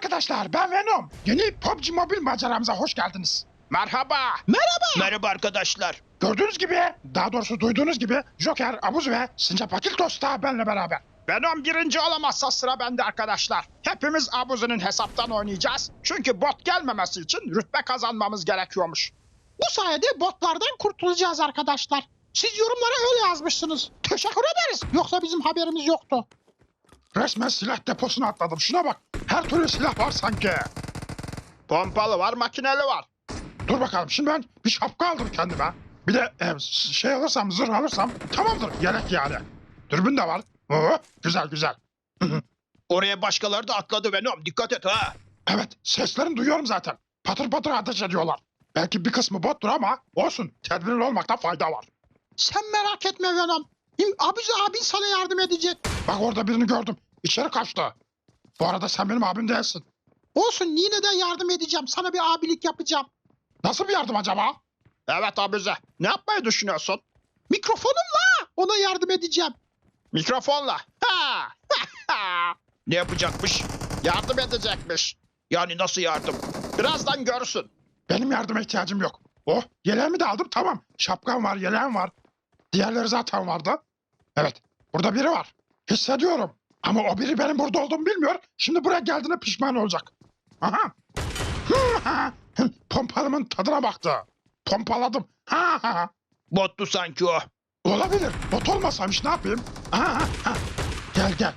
arkadaşlar, ben Venom. Yeni PUBG Mobile maceramıza hoş geldiniz. Merhaba. Merhaba arkadaşlar. Gördüğünüz gibi, daha doğrusu duyduğunuz gibi Joker, Abuz ve Sincap Akiltos da benimle beraber. Venom birinci olamazsa sıra bende arkadaşlar. Hepimiz Abuzi'nin hesaptan oynayacağız. Çünkü bot gelmemesi için rütbe kazanmamız gerekiyormuş. Bu sayede botlardan kurtulacağız arkadaşlar. Siz yorumlara öyle yazmışsınız. Teşekkür ederiz. Yoksa bizim haberimiz yoktu. Resmen silah deposuna atladım. Şuna bak, her türlü silah var sanki. Pompalı var, makineli var. Dur bakalım, şimdi ben bir şapka aldım kendime. Bir de şey alırsam, zırh alırsam tamamdır, yelek yani. Dürbün de var. Oo, güzel güzel. Oraya başkaları da atladı Venom. Dikkat et ha. Evet, seslerini duyuyorum zaten. Patır patır ateş ediyorlar. Belki bir kısmı bottur ama olsun, tedbirli olmakta fayda var. Sen merak etme Venom. Abizi abin sana yardım edecek. Bak orada birini gördüm. İçeri kaçtı. Bu arada sen benim abim değilsin. Olsun yine de yardım edeceğim. Sana bir abilik yapacağım. Nasıl bir yardım acaba? Evet Abuzi. Ne yapmayı düşünüyorsun? Mikrofonumla ona yardım edeceğim. Mikrofonla. Ha! Ne yapacakmış? Yardım edecekmiş. Yani nasıl yardım? Birazdan görsün. Benim yardıma ihtiyacım yok. Oh, yeleğimi de aldım, tamam. Şapkam var, yeleğim var. Diğerleri zaten vardı. Evet, burada biri var. Hissediyorum. Ama o biri benim burada olduğumu bilmiyor. Şimdi buraya geldiğine pişman olacak. Aha. Pompalımın tadına baktı. Pompaladım. Bottu sanki o. Olabilir. Bot olmasaymış ne yapayım? Gel gel.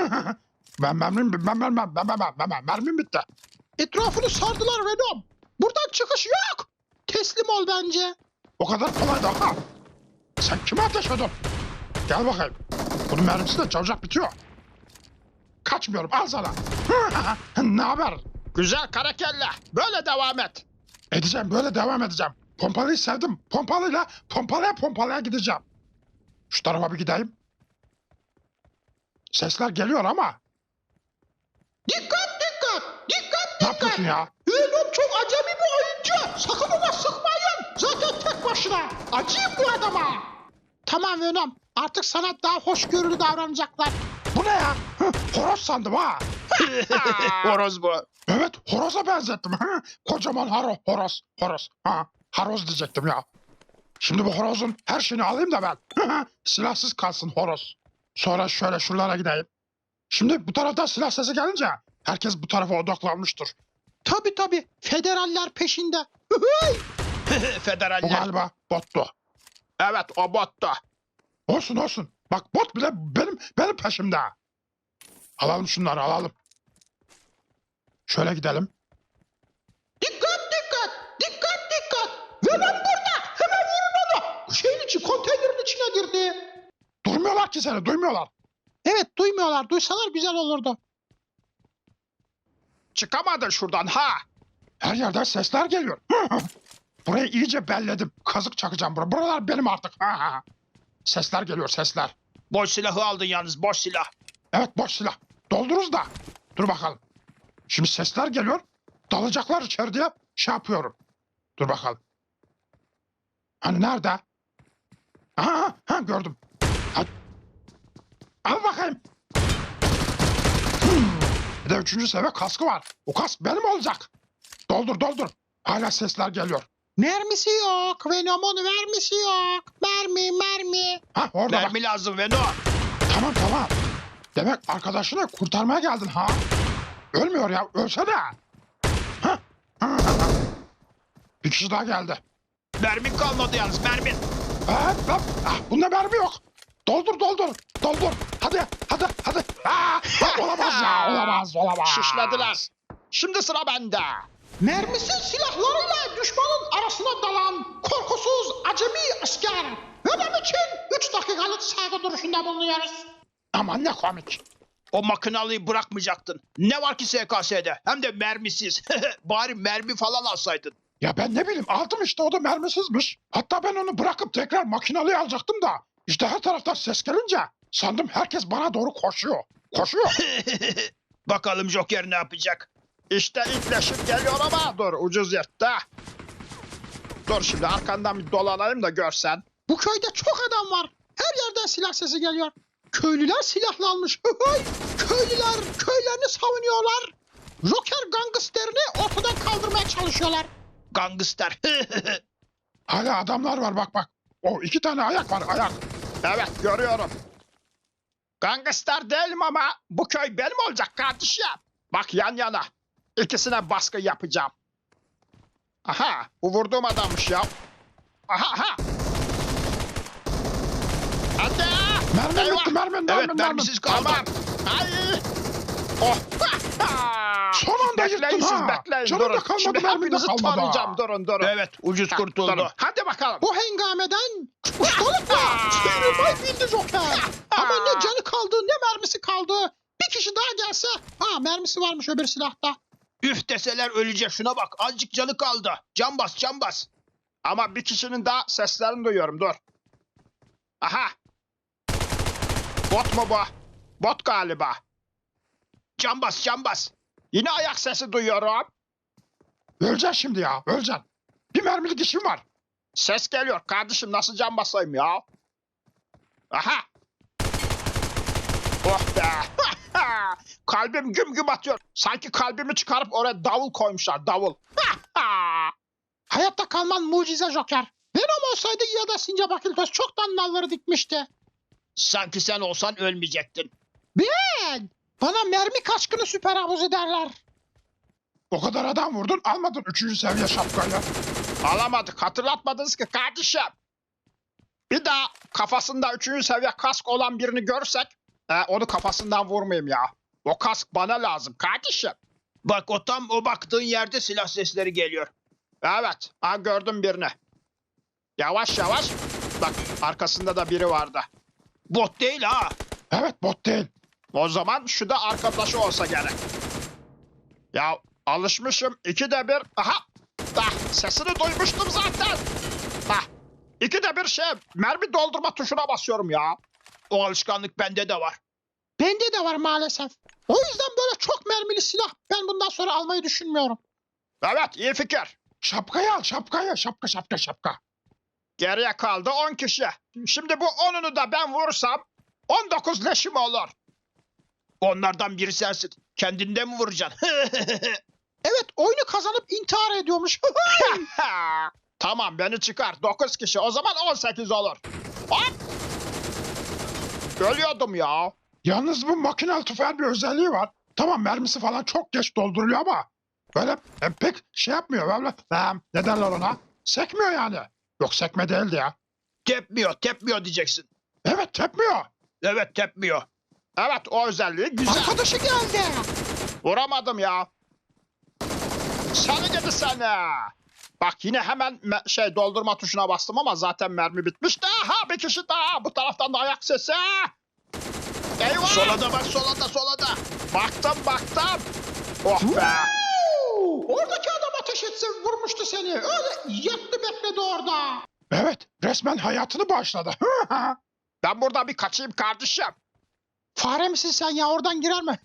Mermim bitti. Etrafını sardılar Venom. Buradan çıkış yok. Teslim ol bence. O kadar kolay da ha. Sen kime ateş ediyorsun? Gel bakayım. Bunun mermisi de çabucak bitiyor. Kaçmıyorum, al sana. Ne haber? Güzel karakelle. Böyle devam et. Edeceğim, böyle devam edeceğim. Pompalıyı sevdim. Pompalaya gideceğim. Şu tarafa bir gideyim. Sesler geliyor ama. Dikkat dikkat. Dikkat Ne yapıyorsun ya? Venom çok acemi bir oyuncu. Sakın ona sıkmayın. Zaten tek başına. Acıyım bu adama. Tamam Venom. Artık sana daha hoşgörülü davranacaklar. Bu ne ya? Horoz sandım ha. Horoz bu. Evet, horoza benzettim. Kocaman horoz. Horoz diyecektim ya. Şimdi bu horozun her şeyini alayım da ben. Silahsız kalsın horoz. Sonra şöyle şuralara gideyim. Şimdi bu taraftan silah sesi gelince herkes bu tarafa odaklanmıştır. Tabii. Federaller peşinde. Bu Federaller. galiba bottu. Evet o bottu. Olsun. Bak bot bile benim peşimde. Alalım şunları, alalım. Şöyle gidelim. Dikkat. Venom burada. Hemen vurun onu. Şeyin içi, konteynerin içine girdi. Durmuyorlar ki seni, duymuyorlar. Evet duymuyorlar. Duysalar güzel olurdu. Çıkamadın şuradan ha. Her yerden sesler geliyor. Burayı iyice belledim. Kazık çakacağım buraya. Buralar benim artık. Sesler geliyor, sesler. Boş silahı aldın yalnız, boş silah. Evet, boş silah. Doldururuz da. Dur bakalım. Şimdi sesler geliyor. Dalacaklar içeri diye şey yapıyorum. Dur bakalım. Hani nerede? Gördüm. Hadi. Al bakayım. Bir de 3. seviye kaskı var. O kask benim olacak. Doldur. Hala sesler geliyor. Mermisi yok. Venom'un mermisi yok. Mermi. Orada bak. Mermi lazım Venom. Tamam. Demek arkadaşını kurtarmaya geldin ha? Ölmüyor ya, ölsene. Bir kişi daha geldi. Mermin kalmadı yalnız, mermin. Bunda mermi yok. Doldur. Hadi. Olamaz ya, olamaz. Şişlediler. Şimdi sıra bende. Mermisiz silahlarıyla düşmanın arasına dalan korkusuz acemi asker. Venom için 3 dakikalık saygı duruşunda bulunuyoruz. Aman ne komik. O makinalıyı bırakmayacaktın. Ne var ki SKS'de? Hem de mermisiz. Bari mermi falan alsaydın. Ya ben ne bileyim, aldım işte, o da mermisizmiş. Hatta ben onu bırakıp tekrar makinalıya alacaktım da. İşte her taraftan ses gelince sandım herkes bana doğru koşuyor. Bakalım Joker ne yapacak? İşte itleşim geliyor ama dur ucuz yırttı. Dur şimdi arkandan bir dolanayım da görsen. Bu köyde çok adam var. Her yerden silah sesi geliyor. Köylüler silahlanmış. Köylüler köylerini savunuyorlar. Joker gangsterini ortadan kaldırmaya çalışıyorlar. Gangster. Hala adamlar var bak bak. O 2 tane ayak var ayak. Evet görüyorum. Gangster değilim ama bu köy benim olacak kardeşim. Bak yan yana. İkisine baskı yapacağım. Aha bu vurduğum adammış ya. Aha. Hadi. Mermin Eyvah. bitti mermin. Evet mermisiz kaldı. Tamam. Ay. Oh. Son anda Bekleyin yırttın siz ha. bekleyin Canım da durun. kalmadı, Şimdi mermim de hepinizi kalmadı ha. tarayacağım durun. Evet ucuz Durun. kurtuldu. Hadi bakalım. Bu hengameden ustalıkla sıyrılmayı bildi Joker. Ama ne canı kaldı ne mermisi kaldı. Bir kişi daha gelse. Ha mermisi varmış öbür silahta. Üf deseler ölecek, şuna bak azıcık canı kaldı. Can bas can bas. Ama bir kişinin daha seslerini duyuyorum dur. Aha. Bot mu bu? Bot galiba. Can bas can bas. Yine ayak sesi duyuyorum. Öleceksin şimdi ya öleceksin. Bir mermilik işim var. Ses geliyor. Kardeşim nasıl can basayım ya? Aha. Oh be. Kalbim güm güm atıyor. Sanki kalbimi çıkarıp oraya davul koymuşlar. Davul. Hayatta kalman mucize Joker. Venom olsaydı ya da Sincap Akiltos çoktan nalları dikmişti. Sanki sen olsan ölmeyecektin. Ben. Bana mermi kaçkını süper havuzu derler. O kadar adam vurdun almadın 3. seviye şapkayla. Alamadık. Hatırlatmadınız ki kardeşim. Bir daha kafasında 3. seviye kask olan birini görsek onu kafasından vurmayayım ya. O kask bana lazım kardeşim. Bak o tam o baktığın yerde silah sesleri geliyor. Evet. Ha gördüm birini. Yavaş yavaş. Bak arkasında da biri vardı. Bot değil ha. Evet bot değil. O zaman şu da arkadaşı olsa gerek. Ya alışmışım. 2'de 1. Aha. Sesini duymuştum zaten. Hah. 2'de 1 mermi doldurma tuşuna basıyorum ya. O alışkanlık bende de var. Bende de var maalesef. O yüzden böyle çok mermili silah ben bundan sonra almayı düşünmüyorum. Evet iyi fikir. Şapkayı al şapkayı. Şapka. Geriye kaldı 10 kişi. Şimdi bu 10'unu da ben vursam 19 leşim olur. Onlardan biri sensin. Kendinden mi vuracaksın? Evet oyunu kazanıp intihar ediyormuş. Tamam beni çıkar. 9 kişi. O zaman 18 olur. Hop. Ölüyordum ya. Yalnız bu makinalı tüfeğin bir özelliği var. Tamam mermisi falan çok geç dolduruyor ama böyle pek şey yapmıyor. Böyle ne derler ona? Sekmiyor yani. Yok sekme değildi ya. Tepmiyor diyeceksin. Evet tepmiyor. Evet tepmiyor. Evet o özelliği güzel. Arkadaşı geldi. Vuramadım ya. Seni gidi seni. Bak yine hemen doldurma tuşuna bastım ama zaten mermi bitmişti. Aha bir kişi daha. Bu taraftan da ayak sesi. Eyvah. Solada bak solada. Baktım. Oh be. Oradaki adam ateş etse vurmuştu seni. Öyle yattı bekledi orada. Evet resmen hayatını bağışladı. Ben burada bir kaçayım kardeşim. Fare misin sen ya oradan girer mi?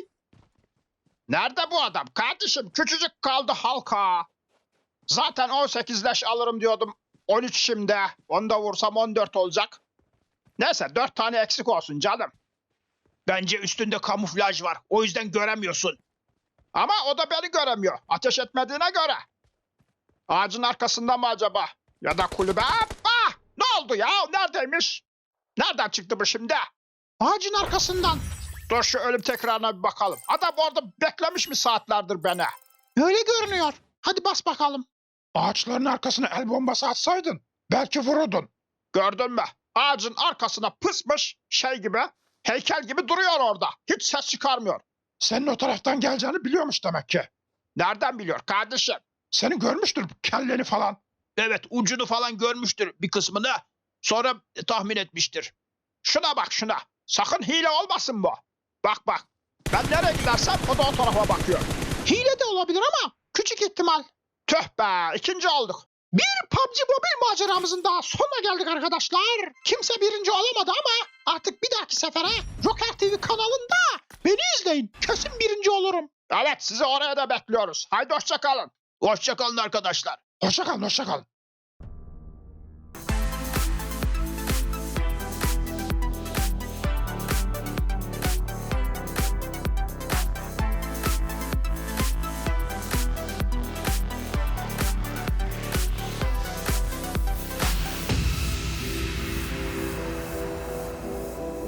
Nerede bu adam? Kardeşim küçücük kaldı halka. Zaten 18 leş alırım diyordum. 13 şimdi. Onu da vursam 14 olacak. Neyse 4 tane eksik olsun canım. Bence üstünde kamuflaj var. O yüzden göremiyorsun. Ama o da beni göremiyor. Ateş etmediğine göre. Ağacın arkasında mı acaba? Ya da kulübe. Ah! Ne oldu ya? Neredeymiş? Nereden çıktı bu şimdi? Ağacın arkasından. Dur şu ölüm tekrarına bir bakalım. Adam orada beklemiş mi saatlerdir beni? Öyle görünüyor. Hadi bas bakalım. Ağaçların arkasına el bombası atsaydın belki vururdun. Gördün mü? Ağacın arkasına pısmış gibi, heykel gibi duruyor orada. Hiç ses çıkarmıyor. Senin o taraftan geleceğini biliyormuş demek ki. Nereden biliyor kardeşim? Seni görmüştür kelleni falan. Evet ucunu falan görmüştür bir kısmını. Sonra tahmin etmiştir. Şuna bak şuna. Sakın hile olmasın bu. Bak. Ben nereye gidersem o da o tarafa bakıyor. Hile de olabilir ama küçük ihtimal. Tüh be 2. olduk. Bir PUBG Mobile maceramızın daha sonuna geldik arkadaşlar. Kimse birinci olamadı ama artık bir dahaki sefere Joker TV kanalında beni izleyin. Kesin birinci olurum. Evet sizi oraya da bekliyoruz. Haydi hoşça kalın. Hoşça kalın arkadaşlar. Hoşça kal.